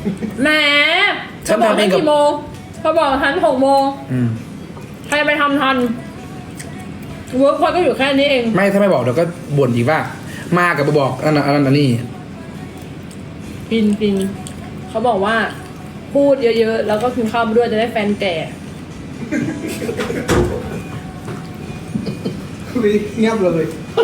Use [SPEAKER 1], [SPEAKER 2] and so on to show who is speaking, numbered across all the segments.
[SPEAKER 1] แหม
[SPEAKER 2] ฉันทำเองกับ
[SPEAKER 1] กี่โมงเขาบอกทัน6 โมงใครไปทำทันเวิร์กพอยก็อยู่แค่นี้เอง
[SPEAKER 2] ไม่ถ้าไม่บอกเดี๋ยวก็บ่นอีกว่า มากับบอกอันนั้นอันนี้
[SPEAKER 1] ปินเขาบอกว่า พูดเยอะๆแล้วก็กินข้าวมาด้วยจะได้แฟนแก่
[SPEAKER 3] เงียบเลย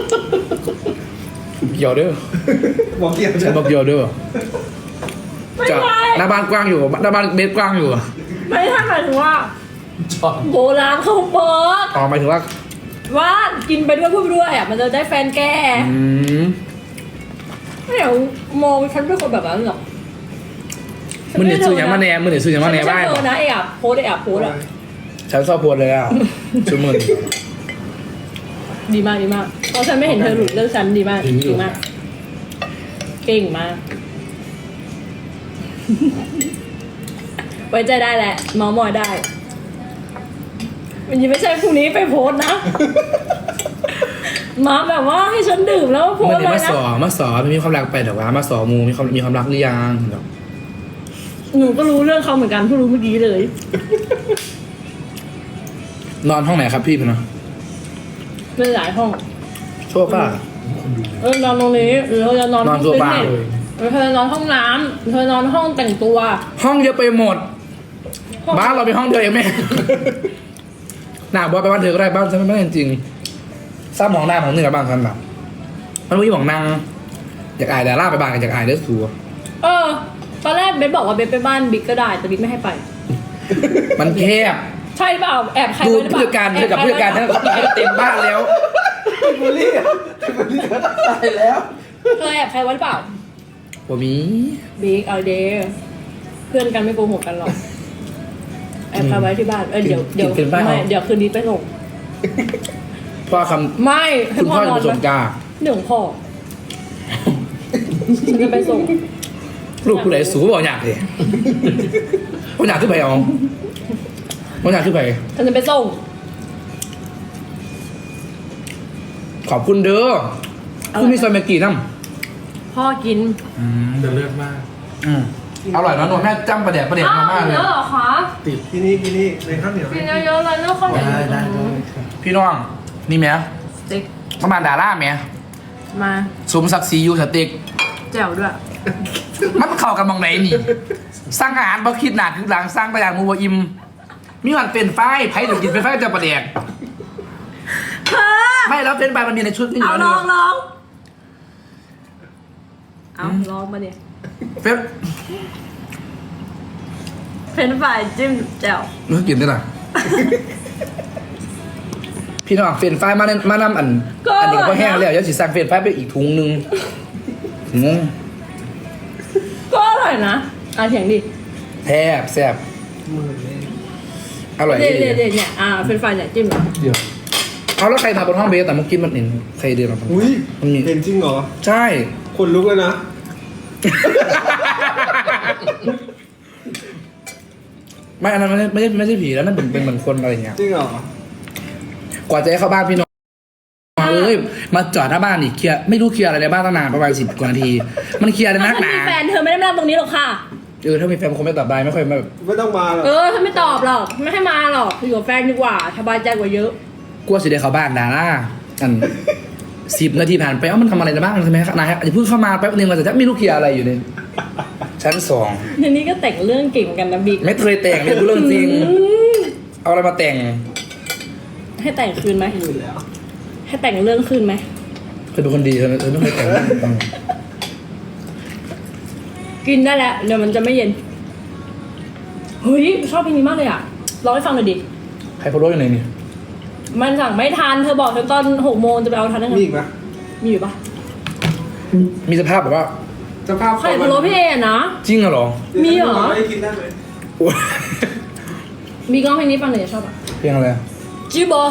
[SPEAKER 2] เกี่ยวเด้อ
[SPEAKER 3] บอกเงียบ
[SPEAKER 2] ฉันบอกเกี่ยวเด้อ
[SPEAKER 1] ไม่
[SPEAKER 2] จะ
[SPEAKER 1] ใช่
[SPEAKER 2] หน้าบ้านกว้างอยู่หน้าบ้านเบสกว้างอยู่
[SPEAKER 1] ไม่ใช่หมายถึงว่าโบราณเขาบอก
[SPEAKER 2] อ๋อหมายถึงว่า
[SPEAKER 1] ว่ากินไปด้วยพูดไปด้วยอ่ะมันจะได้แฟนแก่ ไม่เดี๋ยวมองฉันเป็นคนแบบนั้นหรอก
[SPEAKER 2] มึงเนี่ยซื้ออย่างมาแน่มึงเนี่ยซื้ออย่างมาแน่บ้าง
[SPEAKER 1] ฉันไม่ใช่เธอนะไอ้อ่ะโพสอ่ะ
[SPEAKER 2] ฉันชอบโพสเลยอ่ะชุดมึง
[SPEAKER 1] ดีมากเพราะฉันไม่เห็นเธอหลุดเรื่องฉันดีมากเก่งมาก ไว้ใจได้แหละเมามอยได้มันยังไม่ใช่พรุ่งนี้ไปโพสนะ มาแบบว่าให้ฉันดื่มแล้วโพ
[SPEAKER 2] มึ
[SPEAKER 1] ส
[SPEAKER 2] ง
[SPEAKER 1] เล
[SPEAKER 2] เนี่ย
[SPEAKER 1] ยนะ
[SPEAKER 2] มาสอไม่มีความรักไปแต่ว่ามาสอมูมีความรักหรือยังแบบ
[SPEAKER 1] หนูก็รู้เรื่องเขาเหมือนกันเพิ่งรู้เมื่อกี้เลย
[SPEAKER 2] นอนห้องไหนครับพี่พนะ
[SPEAKER 1] เป็นหลายห้อง
[SPEAKER 2] โซฟาน
[SPEAKER 1] อนตรงนี้หรือเราจะนอน
[SPEAKER 2] นอน
[SPEAKER 1] ห้อง
[SPEAKER 2] โซฟา
[SPEAKER 1] ฟิตเนสหรือเธอจะนอนห้องน้ำเธอนอนห้องแต่งตัว
[SPEAKER 2] ห้องเยอะไปหมด
[SPEAKER 1] ห้อง
[SPEAKER 2] บ้านเราเป็นห้องเดียวเองแม่ หน้าบอสไปบ้านเธอก็ได้บ้านฉันไม่ได้จริงๆซ้ำหมองหน้าของเหนือบ้างกันแบบมันไม่มีหมองนางอยากอายแต่ล่าไปบ้านกันอยากอายเด้อสัว
[SPEAKER 1] ตอนแรกเบสบอกว่าเบสไปบ้านบิ๊กก็ได้แต่บิ๊กไม่ให้ไป
[SPEAKER 2] มันแคบ
[SPEAKER 1] ใช่หรือเปล่าแอบใคร
[SPEAKER 2] ดู
[SPEAKER 1] ไว้หรือเป
[SPEAKER 2] ผู้
[SPEAKER 1] ล่า
[SPEAKER 2] จัดการเธอกับผู้จัดการฉันเต็มบ้านแล้ว
[SPEAKER 3] บุลี่ตายแล้ว
[SPEAKER 1] เธอแอบใครไว้หรือเปล่า
[SPEAKER 2] ว่ามี
[SPEAKER 1] บิ๊กเอาเดย์เพื่อนกันไม่โกหกกันหรอกแอบใครไว้ที่บ้านเดี๋ยวไม่เดี๋ยวคืนนี้ไปส่ง
[SPEAKER 2] พ่อค
[SPEAKER 1] ไม่
[SPEAKER 2] ำ
[SPEAKER 1] ให้
[SPEAKER 2] คุณ
[SPEAKER 1] พ่
[SPEAKER 2] พ่
[SPEAKER 1] อ
[SPEAKER 2] อน จะ
[SPEAKER 1] อน
[SPEAKER 2] ไปส่ง
[SPEAKER 1] ไหม
[SPEAKER 2] กา
[SPEAKER 1] เรื่องของพ่อฉันจะไปส่ง
[SPEAKER 2] ลูกผู้ใดสูบอกอยากเลยบอกอยากขึ้นไปเอาบอกอยากขึ้นไป
[SPEAKER 1] ฉันจะไปส่ง
[SPEAKER 2] ขอบคุณเด้อคุณมีซอยเมกี้น้
[SPEAKER 1] พ่อกิน
[SPEAKER 2] ำ
[SPEAKER 3] จะเลือดมาก
[SPEAKER 2] อร่อยนะนวลแม่จ้ำประเดี๋ยวมาม่าเลย
[SPEAKER 1] เยอะเหรอคะ
[SPEAKER 3] ติดที่นี่ในข้าวเหนียว
[SPEAKER 1] กินเยอะๆเลยเนื้อข้าวเหนียว
[SPEAKER 3] ได้
[SPEAKER 2] พี่น้องนี่แม่
[SPEAKER 1] สเต็ก
[SPEAKER 2] ประมาณดาราแม่
[SPEAKER 1] มา
[SPEAKER 2] สมศักดิ์ศรีอยู่สเต็ก
[SPEAKER 1] แจ่วด้วย
[SPEAKER 2] มันเข้ากันมองไหนนี่สร้างอาหารบ่คิดหนักคือหลังสร้างตัวอย่างมูบอิมมีวันเป็นไฟไผ่ถึงกินเป็นไฟจะประเดี๋ยว
[SPEAKER 1] เธอ
[SPEAKER 2] ไม่แล้วเป็นไฟมันมีในชุดนี่อยู่
[SPEAKER 1] เอา
[SPEAKER 2] แล้ว
[SPEAKER 1] ล
[SPEAKER 2] นี่
[SPEAKER 1] องเอาลองมาเนี่ย
[SPEAKER 2] เป็น
[SPEAKER 1] เฟรนช์ฟรายจิ้มแจ่ว
[SPEAKER 2] นึกกินได้หรอพี่น้องเฟรนไฟมานำอันนี้ก็แห้งแล้วเดี๋ยวสิสั่งเฟรนไฟไปอีกถุงนึงงง
[SPEAKER 1] ก็อร่อยนะเถียงดิ
[SPEAKER 2] แทบแซ่บ
[SPEAKER 3] มือเลย
[SPEAKER 2] อร่อย
[SPEAKER 1] เดี๋ยว
[SPEAKER 2] ดี
[SPEAKER 1] เนี่ยเฟรนช์ฟรายเนี่ยจิ้มเหรอ
[SPEAKER 3] เดี๋ยว
[SPEAKER 2] เอาแล้วใครมาบนห้องเบสแต่เมื่อกี้มันเห็นใครเดินมา
[SPEAKER 3] อุ้ย
[SPEAKER 2] มันมี
[SPEAKER 3] เห็นจริงเหรอ
[SPEAKER 2] ใช่
[SPEAKER 3] คนลุกเลยนะ
[SPEAKER 2] ไม่อันนั้นไม่ใช่ผีแล้วนั่นเป็นเหมือนคนอะไรอย่างเงี้ย
[SPEAKER 3] จริงเหรอก
[SPEAKER 2] ว่าจะให้เข้าบ้านพี่น้องเอ้ยมาจอดหน้าบ้านอีกเคลียร์ไม่รู้เคลียร์อะไรในบ้านตั้งนานประมาณ10 กว่านาที มันเคลียร์เลยนักห
[SPEAKER 1] ถ้า
[SPEAKER 2] นา
[SPEAKER 1] มีแฟนเธอไม่ได้มานั่งตรงนี้หรอกค่ะ
[SPEAKER 2] ถ้ามีแฟนคงไม่ตอบได้ไม่ค่อยแบบ
[SPEAKER 3] ไม่ต้องมาหรอก
[SPEAKER 1] ถ้าไม่ตอบหรอกไม่ให้มาหรอกอยู่กับแฟนดีกว่าสบายใจกว่าเยอะ
[SPEAKER 2] กลัวสิได้เข้าบ้านดาราอัน10 นาทีผ่านไปมันทำอะไรในบ้านใช่ไหมครับนายอาจจะเพิ่งเข้ามาแป๊บนึงมันจะไม่รู้เคลียร์อะไรอยู่ในชั้น
[SPEAKER 1] ทีนี้ก็แต่งเรื่องเก่งกันนะบิ๊ก
[SPEAKER 2] 2ไม่เคยแต่งเลยพูดเรื่องจริง เอาอะไรมาแต่ง
[SPEAKER 1] ให้แต่งคืนไหม
[SPEAKER 3] อยู่แล้ว
[SPEAKER 1] ให้แต่งเรื่องคืนไหม
[SPEAKER 2] เคยเป็นคนดีเธอไม่เคยแต่ง
[SPEAKER 1] กินได้แล้วเดี๋ยวมันจะไม่เย็นเฮ้ยชอบเพลงนี้มากเลยอ่ะร้องให้ฟังหน่อยดิ
[SPEAKER 2] ใครโพสต์อยู่ไหนนี่
[SPEAKER 1] มันสั่งไม่ทันเธอบอกฉันตอน6 โมงจะไปเอาทันได้ไง
[SPEAKER 3] มีอีกไหม
[SPEAKER 1] มีอยู่ปะ
[SPEAKER 2] มีสภาพแบบว่า
[SPEAKER 3] สภาพ
[SPEAKER 1] ไข่พะโล้พี่เอนะ
[SPEAKER 2] จริงเหรอ
[SPEAKER 1] มีเหรอ
[SPEAKER 3] ไม่กินได้ไหม
[SPEAKER 2] โอ้ย
[SPEAKER 1] มีกล้องเพลงนี้ฟังหน่อยชอบอ่ะ
[SPEAKER 2] เพลงอะไร
[SPEAKER 1] จิโบ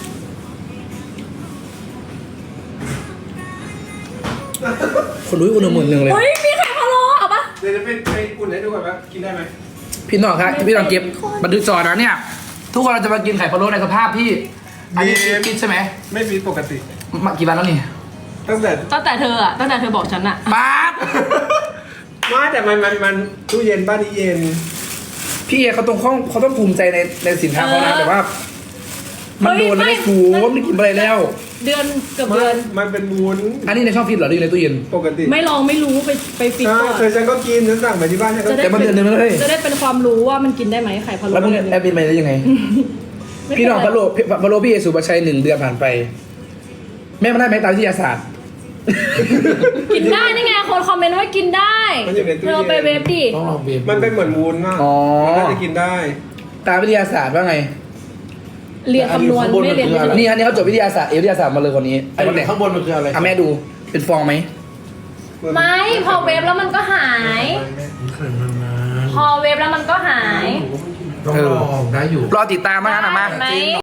[SPEAKER 2] คนรู้คนละหมื่นหนึ่งเลย
[SPEAKER 1] เฮ้ยมีไข่พะโล้เอาปะ
[SPEAKER 3] เดี๋ยวจะไปอุ่นให้ดูก่อนว่ากินได้ไหม
[SPEAKER 2] พี่น้องครับพี่น้องเก็บบันทึกจอนะเนี่ย ทุกคนเราจะมากินไข่พะโล้ในสภาพที่อันนี้คิดใช่ไหม
[SPEAKER 3] ไม่มีปกติ
[SPEAKER 2] มากี่วันแล้วนี่
[SPEAKER 3] ตั้งแต่
[SPEAKER 1] ตั้งแต่เธอบอกฉันอะ
[SPEAKER 2] ป๊าบ
[SPEAKER 3] ไม่แต่มันตู้เย็นบ้านนี้เย็น
[SPEAKER 2] พี่เอเขาต้องภูมิใจในสินค้าเขานะแต่ว่า มันโดนแล้วไม่ฟูไม่กินอะไรแล้ว
[SPEAKER 1] เดือนเกือบเดือน
[SPEAKER 3] มันเป็นวุ้น
[SPEAKER 2] อันนี้ในช่องฟิตเหรอหรือในตู้เย็น
[SPEAKER 3] ปกติ
[SPEAKER 1] ไม่ลองไม่รู้ไปฟิก
[SPEAKER 3] ใช่
[SPEAKER 1] ก่อน
[SPEAKER 3] เคยฉันก็กินฉันสั่งไปที่บ้านฉันก็
[SPEAKER 2] แต่มันเดือนนึงแล้วเลย
[SPEAKER 1] จะได้เป็นความรู้ว่ามันกินได้ไหมไข่พะโล้
[SPEAKER 2] แล้วมึงแอบบินไปได้ยังไง
[SPEAKER 1] ไม่เป็
[SPEAKER 2] พี่
[SPEAKER 1] ไร
[SPEAKER 2] น้องพะโล้พี่เอสุภาชัย1 เดือนผ่านไป แม่มันได้ไหมตามวิทยาศาสตร์
[SPEAKER 1] กินได้นี่ไงคนคอมเมนต์ว่ากินได้
[SPEAKER 3] มันอยู่ในตู้
[SPEAKER 1] เรา
[SPEAKER 3] เย็น
[SPEAKER 1] ไปเวฟดิ
[SPEAKER 4] ต้องลองเบียร์
[SPEAKER 3] มันเป็นเหมือนวุ้นอ่ะ
[SPEAKER 2] อ๋อ
[SPEAKER 3] มันน่าจะกินได้
[SPEAKER 2] ตามวิทยาศาสตร์ว่าไง
[SPEAKER 1] เรียนคำนวณไม่เรียนวิทยาศาสตร์
[SPEAKER 2] นี่อันนี้เขาจบวิทยาศาสตร์วิทยาศาสตร์มาเลยคนนี้
[SPEAKER 4] ไอ้ข้างบนมันคืออะไร
[SPEAKER 2] อ่ะแม่ดูเป็นฟองไหม
[SPEAKER 1] ไม่พอเวฟแล้วมันก็หาย
[SPEAKER 4] ไข่มันนะ
[SPEAKER 1] พอเวฟแล้วมันก็หาย
[SPEAKER 4] ต้องลองได้อยู่
[SPEAKER 2] รอติดตามมานะมา
[SPEAKER 1] ไหม